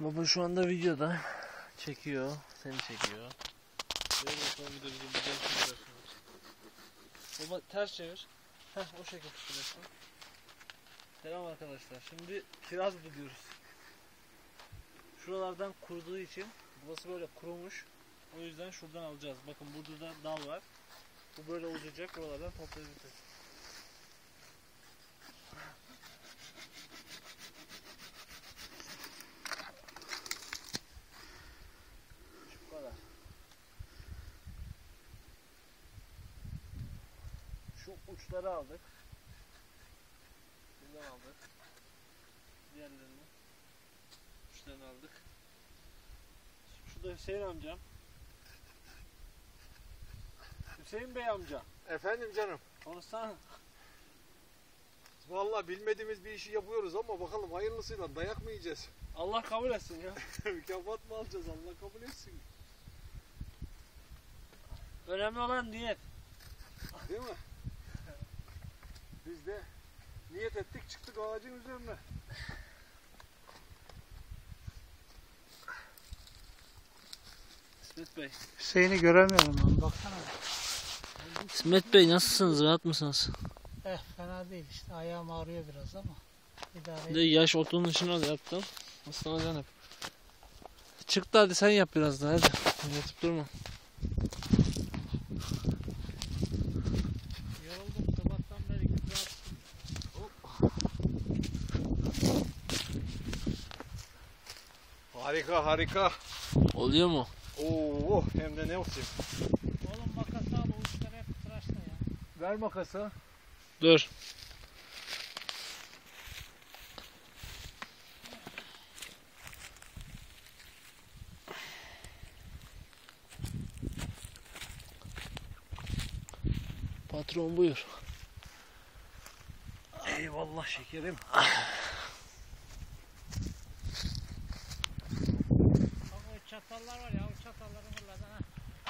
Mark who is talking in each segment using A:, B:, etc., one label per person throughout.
A: Baba şu anda videoda çekiyor, seni çekiyor. Baba ters çevir. Heh, o şekilde tutuyorsun. Selam arkadaşlar. Şimdi kiraz buluyoruz. Şuralardan kuruduğu için burası böyle kurumuş. O yüzden şuradan alacağız. Bakın burada da dal var. Bu böyle uzayacak. Buralardan toplayacağız. Şu kadar. Şu uçları aldık. Bundan aldık. Diğerlerini. Uçlarını aldık. Şu da Hüseyin amcam. Hüseyin Bey amca.
B: Efendim canım.
A: Konuşsana.
B: Vallahi bilmediğimiz bir işi yapıyoruz ama bakalım hayırlısıyla dayak mı yiyeceğiz?
A: Allah kabul etsin ya.
B: Mükafat mı alacağız? Allah kabul etsin.
A: Önemli olan niyet.
B: Değil mi? Biz de niyet ettik, çıktık ağacın üzerine.
A: İsmet Bey.
C: Hüseyin'i göremiyorum ben, baksana.
A: İsmet Bey nasılsınız? Rahat mısınız?
C: Fena değil işte, ayağım ağrıyor biraz ama idare
A: Bir de yaş otunun içine al yaptım. Islanacaksın hep. Çık da hadi sen yap biraz daha hadi. Yatıp durma.
C: yoruldum sabahtan beri güzel.
B: Harika harika.
A: Oluyor mu?
B: Oo, hem de ne olsun.
C: Oğlum makası al, o uçları hep tıraşla ya.
B: Ver makası.
A: Dur. Patron buyur.
B: Eyvallah şekerim.
C: Bak o çatallar var ya, o çatalları fırladı ha.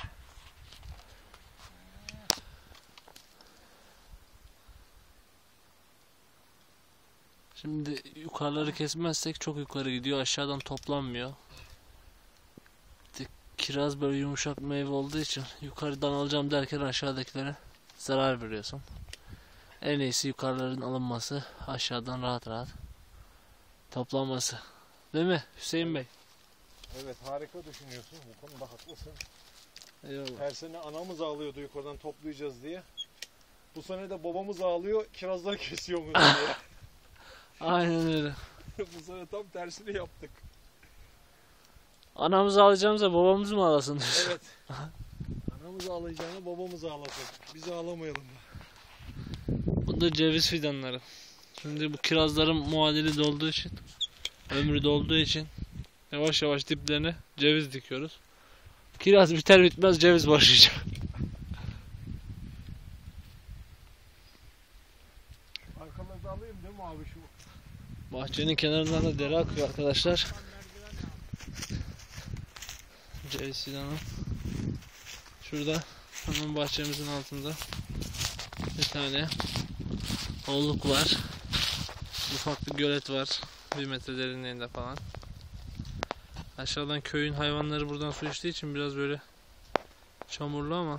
A: Şimdi yukarıları kesmezsek çok yukarı gidiyor. Aşağıdan toplanmıyor. Kiraz böyle yumuşak meyve olduğu için yukarıdan alacağım derken aşağıdakilere zarar veriyorsun. En iyisi yukarıların alınması, aşağıdan rahat rahat toplanması. Değil mi Hüseyin Bey?
B: Evet, harika düşünüyorsun. Bu konuda haklısın.
A: Eyvallah.
B: Her sene anamız ağlıyordu yukarıdan toplayacağız diye. Bu sene de babamız ağlıyor, kirazları kesiyor mu diye.
A: Aynen öyle.
B: Bu sene tam tersini yaptık.
A: Anamızı alacağımıza babamız mı ağlasın?
B: Evet. Anamız ağlayacağına babamız ağlasın. Biz ağlamayalım.
A: Bu da ceviz fidanları. Şimdi bu kirazların muadili dolduğu için, ömrü dolduğu için yavaş yavaş diplerine ceviz dikiyoruz. Kiraz biter bitmez ceviz başlayacak.
B: Arkamızda alayım değil mi abi şu?
A: Bahçenin kenarından da dere akıyor arkadaşlar. Ceviz fidanı. Şurada hemen bahçemizin altında bir tane olluk var. Ufak bir gölet var. 1 metre derinliğinde falan. Aşağıdan köyün hayvanları buradan su içtiği için biraz böyle çamurlu ama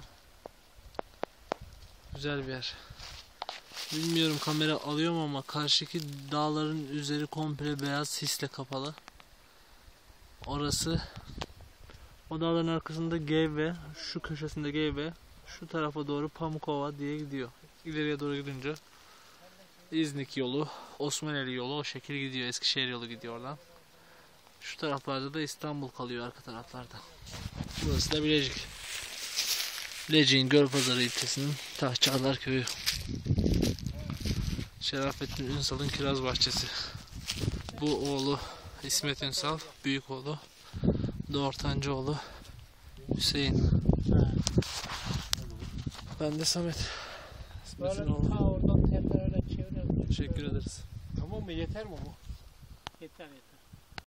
A: güzel bir yer. Bilmiyorum kamera alıyor mu ama karşıki dağların üzeri komple beyaz sisle kapalı. Orası o dağların arkasında Geyve, şu köşesinde Geyve, şu tarafa doğru Pamukova diye gidiyor. İleriye doğru gidince İznik yolu, Osmaneli yolu o şekil gidiyor. Eskişehir yolu gidiyor oradan. Şu taraflarda da İstanbul kalıyor arka taraflarda. Burası da Bilecik. Bilecik'in Gölpazarı ilçesinin Tahçağlar köyü. Şerafettin Ünsal'ın kiraz bahçesi. Bu oğlu İsmet Ünsal, büyük oğlu. Bu da ortancı oğlu Hüseyin. Ben de Samet.
C: Böyle
A: İsmet'in oğlu.
C: oradan tepe öyle çeviriyoruz.
A: Teşekkür ederiz.
B: Tamam mı? Yeter mi bu?
C: Yeter yeter.